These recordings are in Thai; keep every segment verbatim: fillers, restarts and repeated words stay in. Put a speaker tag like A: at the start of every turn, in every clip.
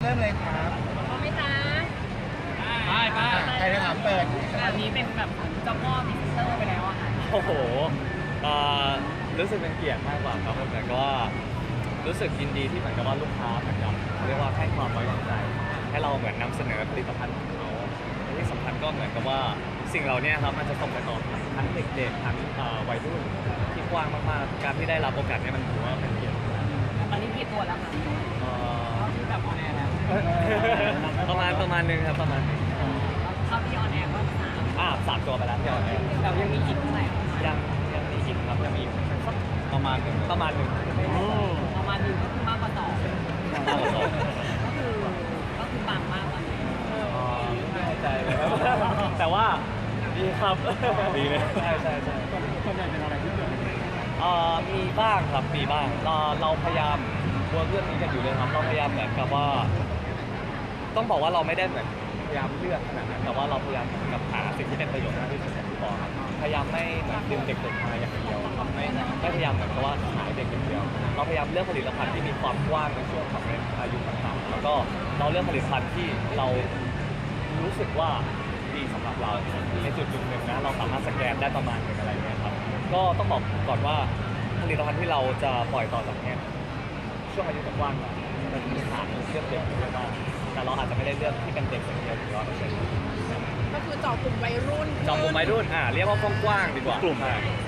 A: ริ่มเลยครับ
B: พร้อมไหมจ๊ะ
A: ไปไปใครจะถามเปิด
B: แบบนี้เป็นแบบเจ้าพ่อมิสเตอร์ไปแล้วอะค่ะ
C: โอ้โหรู้สึกเป็นเกียรติมากกว่าครับแต่ก็รู้สึกยินดีที่เหมือนกับว่าลูกค้าเหมือนกับเรียกว่าให้ความไว้วางใจให้เราเหมือนนำเสนอผลิตภัณฑ์ของเขาและที่สำคัญก็เหมือนกับว่าสิ่งเหล่านี้ครับมันจะส่งไปต่อทั้งเด็กๆทั้งวัยรุ่นที่กว้างมากๆการที่ได้รับโอกาสนี้มันถือว่าเป็นเกียรติมาก
B: ตอนนี้กี่ตัวแล้วคะคือแบบออนแอร์แล้ว
C: ประมาณประมาณนึงครับประมาณนึง
B: เข้าที่ออนแอร์ก็สาม
C: อ่าสามตัวไปแล้วที่ออนแอร์
B: แต่ยังมีอีกเท่าไหร่
C: ยังยังมีอีกครับยังมีประมาณหนึ่งประมาณหนึ่ง
B: ประมาณหนึ่งก็คือมากกว่าสองก็คือก็คือปังมากตอนนี้
C: ไม่แน่ใจเลยแต่ว่าดีครับดีเลยใช่ใช่ใช่
A: ส่วนใหญ่เป็นอะไรที่เกิด
C: เอ่อมีบ้างครับมีบ้างเราเราพยายามเวิร์กเรื่องนี้กันอยู่เลยครับเราพยายามเหมือนกับว่าต้องบอกว่าเราไม่ได้เหมือนพยายามเลือกขนาดนั้นแต่ว่าเราพยายามกับหาสิ่งที่เป็นประโยชน์มากที่สุดที่บอกครับพยายามไม่เหมือนดึงเด็กๆมาอย่างเดียวครับไม่ไม่พยายามเหมือนกับว่าขายเด็กอย่างเดียวเราพยายามเลือกผลิตภัณฑ์ที่มีความกว้างในช่วงของอายุต่างๆแล้วก็เราเลือกผลิตภัณฑ์ที่เรารู้สึกว่าดีสำหรับเราในจุดจุดหนึ่งนะเราสามารถสแกนได้ประมาณหนึ่งอะไรเงี้ยครับก็ต้องบอกก่อนว่าผลิตภัณฑ์ที่เราจะปล่อยต่อจากนี้ช่วงอายุกว้างๆมันมีฐานเลือกเด็กเยอะมากแต่เราอาจจะไม่ได้เลือกที่เป็นเด็กอย่างเดียวหรือว่าไม่ใช่
D: ก็คือเจาะกลุ่มวัยรุ่น
C: เจาะกลุ่มวัยรุ่นอ่าเรียกว่ากว้างๆดีกว่ากลุ่ม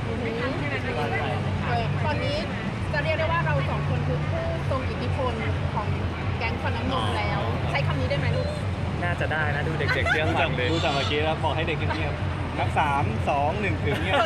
D: ตอนนี้จะเรียกได้ว่าเราสองคนคือผู้ทรงอิทธิพลของแก๊งฟันน้ำนมแล้วใช้คำนี้ได้ไหมลูก
C: น่าจะได้นะดูเด็กๆเรื่องฟังเลย
A: ดูจากเมื่อกี้แล้วบอกให้เด็กเงียบนับสามสองหนึ่งถึงเงียบ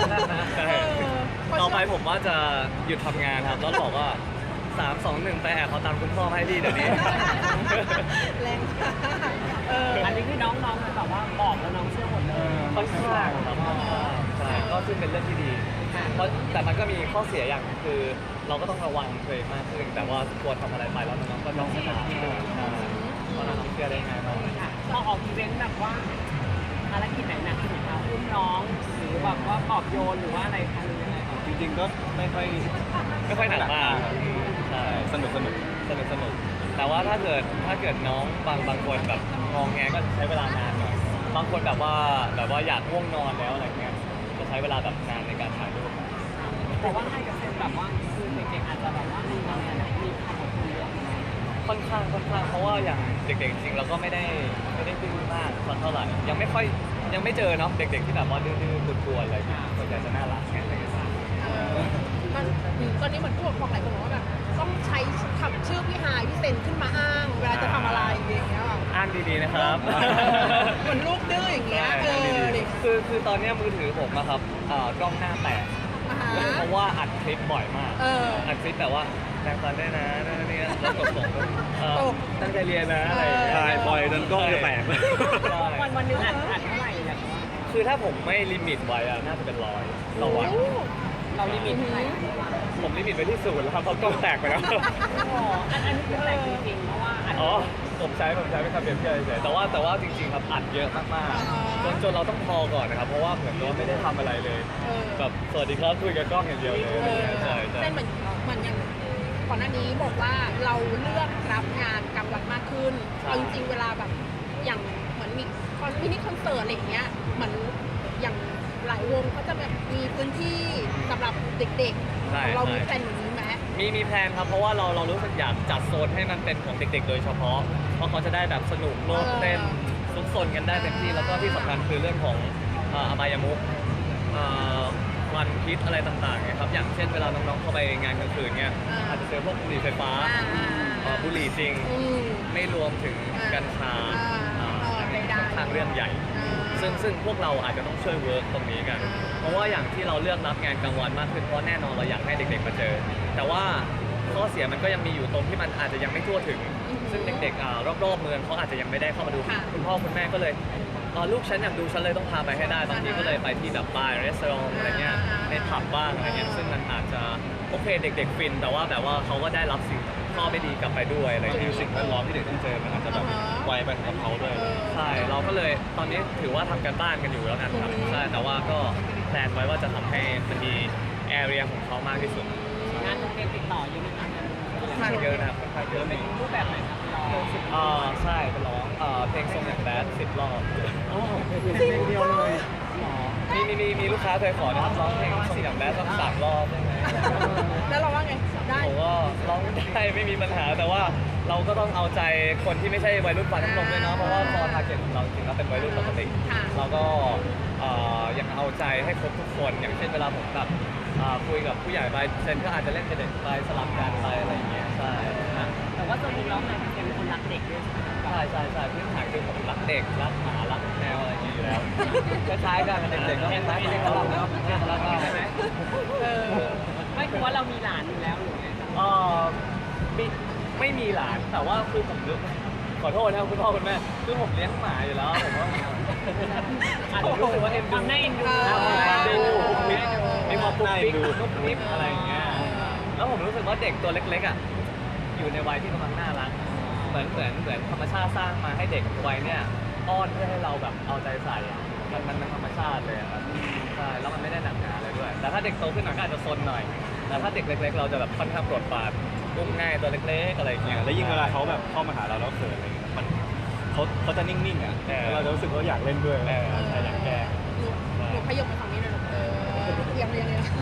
C: ต่อไปผมว่าจะหยุดทำงานครับแล้วบอกว่าสามสองหนึ่งไปแอบเขาตามคุณพ่อให้ดีเดี๋ยวนี้
D: แรงค่ะ
B: อันนี้คือน้องๆแบบว่าบอกแล้วน้องเชื่อหมดเลย
C: ค่อนข้างครับใช่ก็ซึ่งเป็นเรื่องที่ดีเพราะแต่มันก็มีข้อเสียอย่างคือเราก็ต้องระวังตัวเองมากขึ้นแต่ว่าควรทำอะไรไปแล้วน้องก็ต้องสติเพราะน้องเชื่อได้ง่ายมาก
B: พอออกอีเวนต์แบบว่าภารกิจไหนหนักที่สุดคะอุ้มน้องหรือแบบว่าปลอบโยนหรือว่าอะไรคะหรือยังไง
A: จริงๆก็ไม่ค่อย
C: ไม่ค่อยหนักมากใช่
A: สนุกสนุก
C: สนุกสนุกแต่ว่าถ้าเกิดถ้าเกิดน้องบางบางคนแบบงองแงก็ใช้เวลานานหน่อยบางคนแบบว่าแบบว่าอยากง่วงนอนแล้วอะไรเงี้ยจะใช้เวลาแบบนานในการถ่ายรูป
B: แต่ว่าให้กับเซนแบบว่าคือเด็กๆอาจจะแบบว่ามีอะไรมีความอดทนเยอะ
C: ค่อนข้างค่อนข้างเพราะว่าอย่างเด็กๆจริงเราก็ไม่ได้ไม่ได้ดื้อมากสักเท่าไหร่ยังไม่ค่อยยังไม่เจอเนาะเด็กๆที่แบบว่าดื้อๆกลัวๆอะไรส่วนใหญ่จะน่ารักแค่ไหน
D: มันตอนนี้เหมือนผู้ปกครองหลายคนบอกว่าแบบต้องใช้คำชื่อพี่ฮายพี่เซนขึ้นมาอ้างเวลาจะทำอะไรอย่างเงี้ย
C: อ้างดีๆนะครับ
D: เหมือนลูกดื้ออย่างเงี้ยเออ
C: คือคือตอนนี้มือถือผมนะครับกล้องหน้าแตกเพราะว่าอัดคลิปบ่อยมากอัดคลิปแบบว่าแรงฟันได้นะนั่นนี่แล้วกดส่งตั้งใจเรียนนะอะไร
A: ใช่บ่อยจนกล้องจะแตก
B: วันวันนึงอัดอัดเท่าไหร่อย่างว่า
C: คือถ้าผมไม่ลิมิตไว้อะน่าจะเป็นร้อยต่อวัน
B: เราลิมิตเท่าไหร่
C: ผมลิมิตไปที่ศูนย์แล้วครับเพราะกล้องแตกไปแล้ว
B: อ๋ออันอันนี้คือแตกจริงๆเพราะว่า
C: อ๋อผมใช้ผมใช้ไม่ทำเปรียบเทียบเฉยแต่ว่าแต่ว่าจริงๆครับอัดเยอะมากๆจนจนเราต้องพอก่อนนะครับเพราะว่าเหมือนเราไม่ได้ทำอะไรเลยแบบสวัสดีครับคุยกับกล้องอย่างเดียวเลยใช่ใช่
D: เหมือนเหมือนอย่างก่อนหน้านี้บอกว่าเราเลือกรับงานกลางวันมากขึ้นเอาจริงๆเวลาแบบอย่างเหมือนมีคอนมินิคอนเสิร์ตอะไรอย่างเงี้ยเหมือนอย่างหลายวงเขาจะแบบมีพื้นที่สำหรับเด็กๆเรามีแผนอย่างนี้ไหม
C: มีมีแพลนครับเพราะว่าเราเรารู้สึกอยากจัดโซนให้มันเป็นของเด็กๆโดยเฉพาะเพราะเขาจะได้แบบสนุกโลดเต้นซุกซนกันได้เต็มที่แล้วก็ที่สำคัญคือเรื่องของอบายมุขวันพิษอะไรต่างๆครับอย่างเช่นเวลาน้องๆเข้าไปงานกลางคืนเนี่ยอาจจะเจอพวกบุหรี่ไฟฟ้าบุหรี่จริงไม่รวมถึงกัญชาทางเรื่องใหญ่ซึ่งซึ่งพวกเราอาจจะต้องช่วยเวิร์กตรงนี้กันเพราะว่าอย่างที่เราเลือกรับงานกลางวันมากขึ้นเพราะแน่นอนเราอยากให้เด็กๆมาเจอแต่ว่าข้อเสียมันก็ยังมีอยู่ตรงที่มันอาจจะยังไม่ทั่วถึงซึ่งเด็กๆรอบๆเมืองเขาอาจจะยังไม่ได้เข้ามาดูคุณพ่อคุณแม่ก็เลยลูกฉันอยากดูฉันเลยต้องพาไปให้ได้บางทีก็เลยไปที่แบบบาร์รีสอร์ทอะไรเงี้ยในผับบ้างอะไรเงี้ยซึ่งมันอาจจะโอเคเด็กๆฟินแต่ว่าแบบว่าเขาก็ได้รับสิ่งข้อไม่ดีกลับไปด้วยอะไรอย่างเงี้ย
A: สิ่งแวดล้อมที่เด็กต้องเจอมันอาจจะแบบไวไปกับเขาด้วย
C: ใช่เราก็เลยตอนนี้ถือว่าทำกันบ้านกันอยู่แล้วกันครับใช่แต่ว่าก็แพลนไว้ว่าจะทำให้มันมีแอเรียของเขามากที่สุด
B: งานโรงเรียนติดต่อเยอะไหมคะ
C: อนข้างเยอะนะครับค่อนข้างเยอะ
B: เป็นรูปแบบไหนครับร้อง
C: อ่าใช่เป็นร้องอ่าเพลงทรงอย่างแบดสิบรอบ
A: โอ้เพลงเดียวเลย
C: มีมีมีมีลูกค้าเคยขอนะครับร้องเพลงทรงอย่างแบดสักสามรอบได้ไหม
D: แล้วเราว่าไงได้
C: ผมก็ร้องได้ไม่มีปัญหาแต่ว่าเราก็ต้องเอาใจคนที่ไม่ใช่วัยรุ่นฟันน้ำนมด้วยเนาะเพราะว่าพอทาร์เก็ตของเราจริงๆแล้วเป็นวัยรุ่นปกติ
D: ค่ะ
C: เราก็เอ่อยังเอาใจให้ครบทุกคนอย่างเช่นเวลาผมแบบอ่าคุยกับผู้ใหญ่ไปเซนก็อาจจะเล่นกับเด็กไปสลับกันไปอะไรอย่างเงี้ยใช่นะ
B: แต่ว่าตัวจริงร้องนายเป็นคนรักเด็กด้วยใช่ไหมครับ
C: ใช่ใช่ใช่พื้นฐานคือผมรักเด็กรักหมารักแมวอะไรอย่างเงี้ยอยู่แล้วคล้ายๆกันเด็กๆก็คล้ายๆกันเราเนาะรักมาก
B: ใช่ไหม
D: เออ
B: ไม่คือว่าเรามีหลานอยู่แล้วหรือไงครับ
C: เออไม่ไม่มีหลานแต่ว่าคือผมนึกขอโทษนะครับคุณพ่อคุณแม่คือผมเลี้ยงหมาอยู่แล้วผมว่า
B: อาจ
C: ผ
B: จะ
C: มรู้สึกว่าเอ็น
B: ค
C: ดู
B: วามน่าเอ็นดู
C: ความดูปุ๊บปิ๊บมีความปุ๊บปิ๊ก
A: ดู
C: ปุ๊บปิ๊บอะไรอย่างเงี้ยแล้วผมรู้สึกว่าเด็กตัวเล็กๆอ่ะอยู่ในวัยที่กำลังน่ารักเหมือนเหมือนเหมือนธรรมชาติสร้างมาให้เด็กวัยเนี้ยอ้อนเพื่อให้เราแบบเอาใจใส่อะมันมันเป็นธรรมชาติเลยอะครับใช่แล้วมันไม่ได้หนักหนาอะไรด้วย แต่ถ้าเด็กโตขึ้นหน่อยก็อาจจะซนหน่อย แต่ถ้าเด็กเล็ก ๆ เราจะแบบค่อนข้างโปรดปรานอุ้มง่ายตัวเล็กๆอะไรอย่างเงี้ย
A: แล้วยิ่งเวลาเขาแบบเข้ามาหาเราแล้วเขินอะไรเงี้ยมันเขาเขาจะนิ่งๆอ่ะ
C: เออ
A: แล้วเราจะรู้สึกว่าอยากเล่นด้วย
C: เออ
A: ใช่อยากแกล้ง
D: หนูหนูขยบไปฝั่งนี้หน่อยลูกเออเอียงไปยังไงล่ะ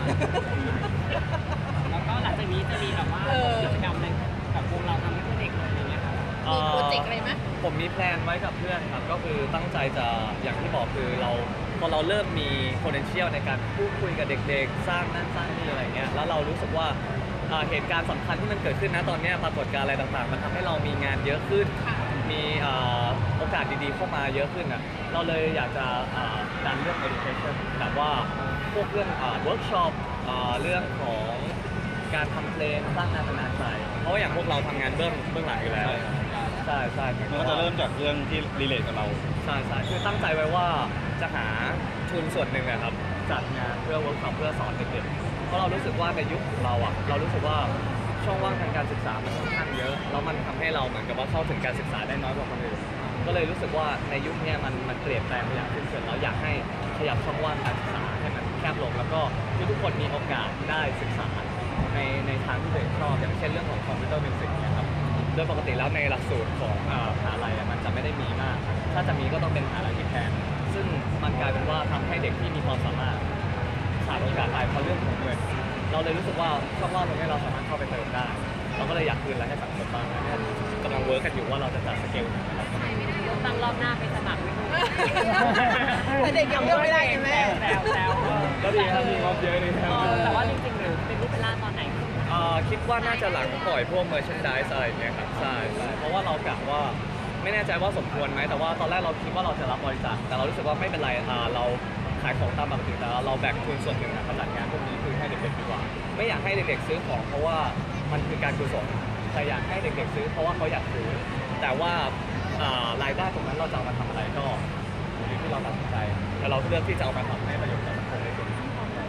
B: แล้วก็หลังจากนี้จะมีแบบว่า
D: เออ
B: กิจกรรมอะไรกับวงเราทำให้เพื่อเด็กเลยอย่างเงี้ยครับ
D: มีโปรเจกต์อะไรไหม
C: ผมมีแพลนไว้กับเพื่อนครับก็คือตั้งใจจะอย่างที่บอกคือเราพอเราเริ่มมี potential ในการพูดคุยกับเด็กๆ สร้างนั่นสร้างนี่อะไรเงี้ยแล้วเรารู้สึกว่าอ่าเหตุการณ์สำคัญที่มันเกิดขึ้นนะตอนเนี้ยปรากฏการณ์อะไรต่างๆ มันทำให้เรามีงานเยอะขึ้น
D: ค่ะ
C: มีอ่าโอกาสดีๆเข้ามาเยอะขึ้นอ่ะเราเลยอยากจะอ่าดันเรื่อง education แบบว่าพวกเรื่องอ่า workshop อ่าเรื่องของการทำเพลงสร้างงานเป็นงานใจเพราะว่าอย่างพวกเราทำงานเบื้องเบื้องหลังอยู่แล้วใช่ใช่
A: มันก็จะเริ่มจากเรื่องที่รีเลทกับเรา
C: ใช่ใช่คือตั้งใจไว้ว่าจะหาทุนส่วนหนึ่งอะครับจัดงานเพื่อเวิร์กช็อปเพื่อสอนเด็กๆเพราะเรารู้สึกว่าในยุคของเราอะเรารู้สึกว่าช่องว่างทางการศึกษามันค่อนข้างเยอะแล้วมันทำให้เราเหมือนกับว่าเข้าถึงการศึกษาได้น้อยกว่าคนอื่นก็เลยรู้สึกว่าในยุคเนี้ยมันมันเปลี่ยนแปลงไปอย่างสิ้นเชิงเราอยากให้ขยับช่องว่างการศึกษาให้มันแคบลงแล้วก็ที่ทุกคนมีโอกาสได้ศึกษาในในทางที่ตัวเองชอบอย่างเช่นเรื่องของคอมพิวเตอร์มิวสิกเนี่ยครับ โดยปกติแล้วในหลักสูตรของอ่ามหาลัยอะมันจะไม่ได้มีมาก ถ้าจะมีก็ต้องเป็นมหาลัยที่แทน ซึ่งมันกลายเป็นว่าทำให้เด็กที่มีความสามารถขาดโอกาสไปเพราะเรื่องของเงิน เราเลยรู้สึกว่าช่องว่างตรงนี้เราสามารถเข้าไปเติมได้ เราก็เลยอยากคืนอะไรให้สังคมบ้างนะเนี่ยกำลังเวิร์กกันอยู่ว่าเราจะจัดสเกลไหนนะครับ
B: เลือกตั้งรอบหน้าไปสมัครไม่รู้
D: แต่เด็กยังเลือกไม่ได้ไงแม่
B: แซวแซวแซว
C: ก็ดีครับมีงบเยอะดีครับ
B: เออแต่ว่าจริงๆหรือเป็นรูปเป็นร่างตอนไหน
C: อ่าคิดว่าน่าจะหลังปล่อยพวก merchandise อะไรอย่างเงี้ยครับใช่ใช่เพราะว่าเรากะว่าไม่แน่ใจว่าสมควรไหมแต่ว่าตอนแรกเราคิดว่าเราจะรับบริจาคแต่เรารู้สึกว่าไม่เป็นไรอ่าเราขายของตามปกติแต่เราแบ่งทุนส่วนหนึ่งนะมาจัดงานพวกนี้คือให้เด็กๆดีกว่า ไม่อยากให้เด็กๆซื้อของเพราะว่ามันคือการกุศลแต่อยากให้เด็กๆซื้อเพราะว่าเขาอยากซื้อ แต่ว่าอ่ารายได้ตรงนั้นเราจะเอามาทำอะไรก็อยู่ที่เราตัดสินใจแต่เราเลือกที่จะเอามาทำให้ประโยชน์กับสังคมในส่วนนี้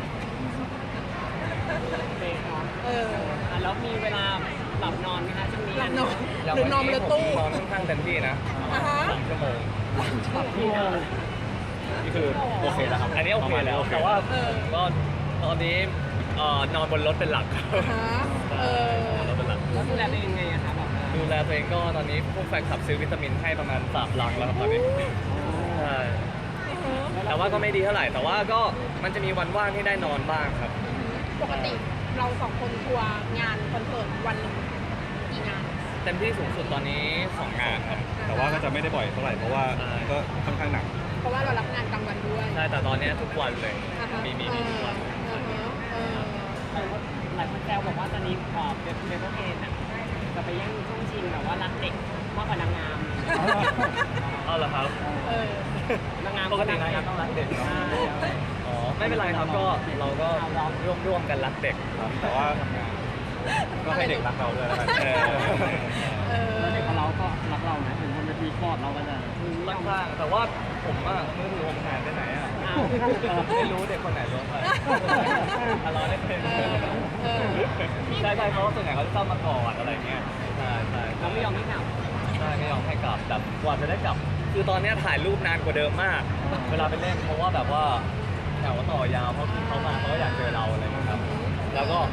B: เป็นเนาะ
D: เออ
B: อ่ะแล้วมีเวลาหลับนอนไหมคะช่วงนี้
D: หลับนอน
C: อย่าง
D: หรือ
C: วัน
D: นอนบน
C: นี้
D: รถ
C: ผม
D: ตู้
C: นอนค่อนข้างเต็มที่นะ
D: อ่าฮะ
C: สามชั่วโมง
B: พี่โม
A: นี่คือโอเคแล้วครับ
C: อันนี้โอเคแล้ว
A: ประมาณนี้โอเค
C: แต่ว่า
D: เออ
C: ก็ตอนนี้เอ่อนอนบนรถเป็นหลัก
D: อ่าฮะเออ
C: รถเป็นหลัก
B: แล้วดูแลตัวเองยังไงอะคะแบบ
C: ดูแลตัวเองก็ตอนนี้พวกแฟนคลับซื้อวิตามินให้ประมาณสามลังแล้วครับตอนนี้ใช่แต่ว่าก็ไม่ดีเท่าไหร่ แต่ว่าก็มันจะมีวันว่างที่ได้นอนบ้างครับ
D: ปกติเราสองคนทัวร์งานคอนเสิร์ตวันหนึ่งกี่งาน
C: เต็มที่สูงสุดตอนนี้สองงานครับ
A: แต่ว่าก็จะไม่ได้บ่อยเท่าไหร่เพราะว่า
C: ใช่
A: ก็ค่อนข้างหนัก
D: เพราะว่าเรารับงานกลางวันด้วย
C: ใช่แต่ตอนนี้ทุกวันเลย
D: อ่าฮะ
C: มีมีมีทุกวัน
D: อ่าฮะเออ
B: เออหลายคนแซวบอกว่าตอนนี้ขอเป็นเบเบอร์เพนอะจะไปแย่งช่วงชิงแบบว่ารักเด็กมากกว่านางงาม
C: เอาเหรอครับ
D: เออ
B: นางงาม
C: ปกตินางงามต้องรักเด็กเนาะ อ๋อไม่เป็นไรครับก็เราก็ร่วมร่วมกันรักเด็ก
A: ครับแต่ว่าทำงานก็ให้เด็กรักเราด้วยแล้วกัน
C: เออ
D: เออ
B: เด็กของเราก็รักเรานะถึงคนจะตีกอดเราก็จะ
C: ค่อนข้างแต่ว่าผมอะมือถือผมหายไปไหนอะ
B: อ้าว
C: ไม่รู้เด็กคนไหนล้วงไปอะรอได้เป็น
D: เออเออ
C: ใช่ใช่เพราะว่าส่วนใหญ่เขาจะชอบมากอดอะไรเงี้ยใช่ใช่
B: เราไม่ยอมให้กลับ
C: ใช่ไม่ยอมให้กลับแบบกว่าจะได้กลับ คือตอนเนี้ยถ่ายรูปนานกว่าเดิมมาก เวลาไปเล่นเพราะว่าแบบว่าแถวต่อยาวเพราะเขามาเขาก็อยากเจอเราอะไรเงี้ยครับแล้วก็มัน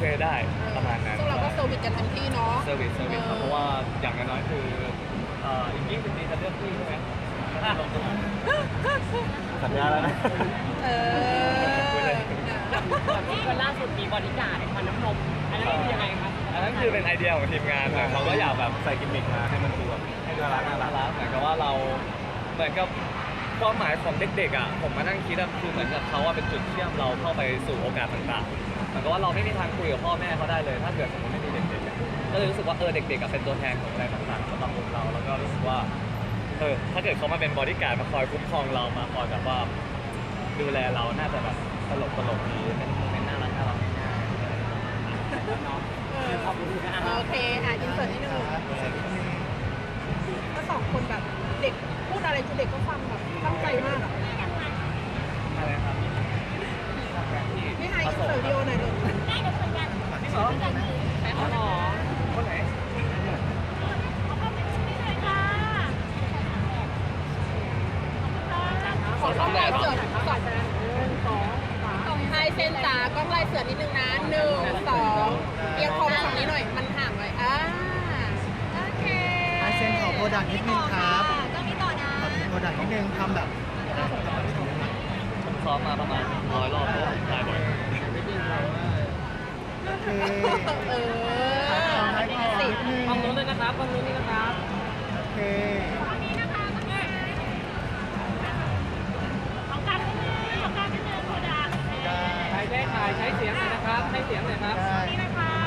C: เคได้ประมาณนั้น
D: ซึ่งเราก็เซอร์วิสกันเต็มที่เนาะ
C: เซอร์วิสเซอร์วิสครับเพราะว่าอย่างน้อยๆคือเอ่ออีกยี่สิบปีจะเลือกพี่ใช่ไหมอ่ะ
A: สัญญาแล้วนะ
D: เออ
B: แบบที่คนล่าสุดมีบริการฟันน้ำนมอันนั้นคือยังไงคะ
C: อันนั้นคือเป็นไอเดียของทีมงานนะเขาก็อยากแบบ
A: ใส่กิมมิคมาให้มันดูแบบให้น่ารักน่ารั
C: น่าก รักเหมือนกับว่าเราเหมือนกับความหมายของเด็กๆอ่ะผมมานั่งคิดอะคือเหมือนกับเขาว่าเป็นจุดเชื่อมเราเข้าไปสู่โอกาสต่างๆเหมือนกับว่าเราไม่มีทางคุยกับพ่อแม่เขาได้เลย ถ้าเกิดสมมติไม่มีเด็กๆอะก็เลยรู้สึกว่าเออเด็กๆอะเป็นตัวแทนของอะไรต่างๆสำหรับพวกเราแล้วก็รู้สึกว่าเออถ้าเกิดเขามาเป็นบอดี้การ์ดมาคอยคุ้มครองเรามาคอยแบบว่าดูแลเราน่าจะแบบตลกตลกๆดีเป็นเป็นน่ารักน่ารัก
B: ขอบคุณค่ะ
D: โอเค อ่ะอินเสิร์ตนิดนึงก็สองคนแบบเด็กพูดอะไรคือเด็กก็ฟังแบบตั้งใจมากอ่ะ
C: อะไรครับ
D: พี่ไฮอินเสิร์ตวิดีโอหน่อยหนึ่ง
C: นี่เหรอ
B: ไปเอาหรอ
C: คนไหน
D: ขอกล้องลายเสือก่อนสองไฮเซนจ๋ากล้องลายเสือนิดนึงนะหนึ่งสองเอียงคอมาฝั่งนี้หน่อยมันห่างไว้อ่าโอเค
E: ไอเซนขอโปรดักต์นิดนึงครับ
D: ก็มีต่อนะ
E: โปรดักต์นิดนึงทำแบบ
C: ผมซ้อมมาประมาณร้อยรอบแล้วถ่ายบ่อย
E: โอเค
D: เออ
E: ให้ขอนิดนึง
B: ฟังนู้นเลยนะครับฟังนู้นนี่นะครับ
E: โอเค
B: ใครได้ถ่ายใช้เสียงหน่อยนะครับใช้เสียงหน่อยครับ
E: ได้
D: นี่นะคะ